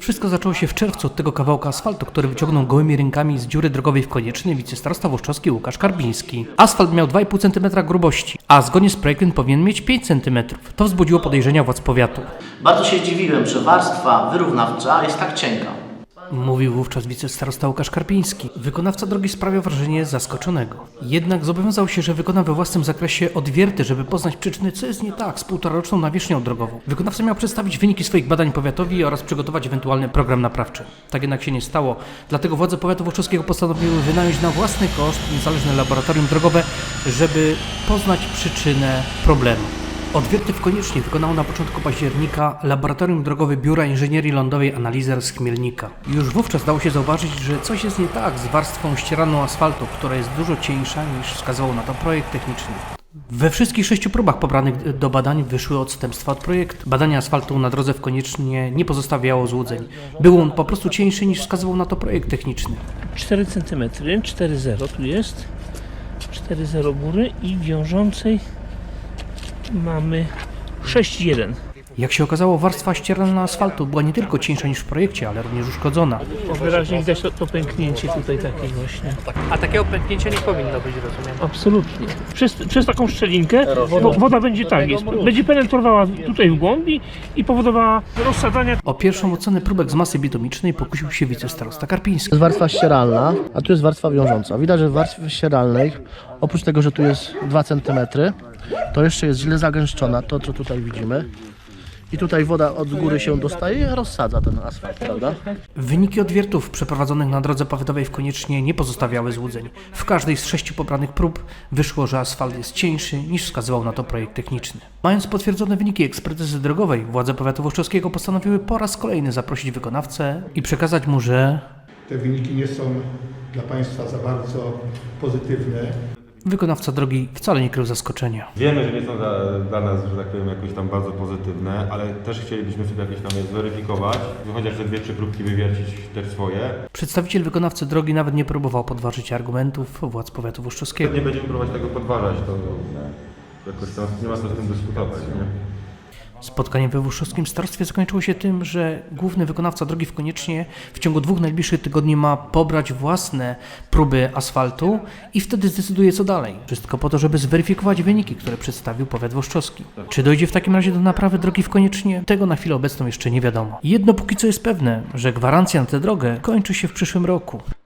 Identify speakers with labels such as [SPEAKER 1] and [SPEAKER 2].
[SPEAKER 1] Wszystko zaczęło się w czerwcu od tego kawałka asfaltu, który wyciągnął gołymi rękami z dziury drogowej w Koniecznej wicestarosta włoszczowski Łukasz Karpiński. Asfalt miał 2,5 cm grubości, a zgodnie z projektem powinien mieć 5 cm. To wzbudziło podejrzenia władz powiatu.
[SPEAKER 2] Bardzo się dziwiłem, że warstwa wyrównawcza jest tak cienka.
[SPEAKER 1] Mówił wówczas wicestarosta Łukasz Karpiński. Wykonawca drogi sprawiał wrażenie zaskoczonego. Jednak zobowiązał się, że wykona we własnym zakresie odwierty, żeby poznać przyczyny, co jest nie tak z półtoraroczną nawierzchnią drogową. Wykonawca miał przedstawić wyniki swoich badań powiatowi oraz przygotować ewentualny program naprawczy. Tak jednak się nie stało, dlatego władze powiatu włoszczowskiego postanowiły wynająć na własny koszt niezależne laboratorium drogowe, żeby poznać przyczynę problemu. Odwierty w Koniecznej wykonało na początku października Laboratorium Drogowe Biura Inżynierii Lądowej Analizer z Chmielnika. Już wówczas dało się zauważyć, że coś jest nie tak z warstwą ścieraną asfaltu, która jest dużo cieńsza niż wskazywał na to projekt techniczny. We wszystkich 6 próbach pobranych do badań wyszły odstępstwa od projektu. Badanie asfaltu na drodze w Koniecznie nie pozostawiało złudzeń. Był on po prostu cieńszy niż wskazywał na to projekt techniczny.
[SPEAKER 3] 4 cm, 4,0 tu jest, 4,0 góry i wiążącej mamy 6,1.
[SPEAKER 1] Jak się okazało, warstwa ścierana asfaltu była nie tylko cieńsza niż w projekcie, ale również uszkodzona.
[SPEAKER 3] Wyraźnie widać to pęknięcie tutaj takie właśnie.
[SPEAKER 1] A takiego pęknięcia nie powinno być, rozumiem.
[SPEAKER 3] Absolutnie. Przez taką szczelinkę woda będzie tak jest. Będzie penetrowała tutaj w głębi i powodowała rozsadzania.
[SPEAKER 1] O pierwszą ocenę próbek z masy bitumicznej pokusił się wicestarosta Karpiński.
[SPEAKER 4] To jest warstwa ścieralna, a tu jest warstwa wiążąca. Widać, że w warstwie ścieralnej, oprócz tego, że tu jest 2 cm, to jeszcze jest źle zagęszczona, to co tutaj widzimy. I tutaj woda od góry się dostaje i rozsadza ten asfalt, prawda?
[SPEAKER 1] Wyniki odwiertów przeprowadzonych na drodze powiatowej w Koniecznie nie pozostawiały złudzeń. W każdej z 6 pobranych prób wyszło, że asfalt jest cieńszy niż wskazywał na to projekt techniczny. Mając potwierdzone wyniki ekspertyzy drogowej, władze powiatu włoszczowskiego postanowiły po raz kolejny zaprosić wykonawcę i przekazać mu, że
[SPEAKER 5] te wyniki nie są dla Państwa za bardzo pozytywne.
[SPEAKER 1] wykonawca drogi wcale nie krył zaskoczenia.
[SPEAKER 6] Wiemy, że nie są dla nas, że tak powiem, jakoś tam bardzo pozytywne, ale też chcielibyśmy sobie jakieś tam je zweryfikować, chociaż te 2-3 próbki wywiercić też swoje.
[SPEAKER 1] Przedstawiciel wykonawcy drogi nawet nie próbował podważyć argumentów władz powiatu włoszczowskiego.
[SPEAKER 6] Nie będziemy próbować tego podważać, to jakoś tam nie ma co z tym dyskutować, nie?
[SPEAKER 1] Spotkanie we włoszczowskim starostwie zakończyło się tym, że główny wykonawca drogi w Koniecznie w ciągu 2 najbliższych tygodni ma pobrać własne próby asfaltu i wtedy zdecyduje co dalej. Wszystko po to, żeby zweryfikować wyniki, które przedstawił powiat włoszczowski. Czy dojdzie w takim razie do naprawy drogi w Koniecznie? Tego na chwilę obecną jeszcze nie wiadomo. Jedno póki co jest pewne, że gwarancja na tę drogę kończy się w przyszłym roku.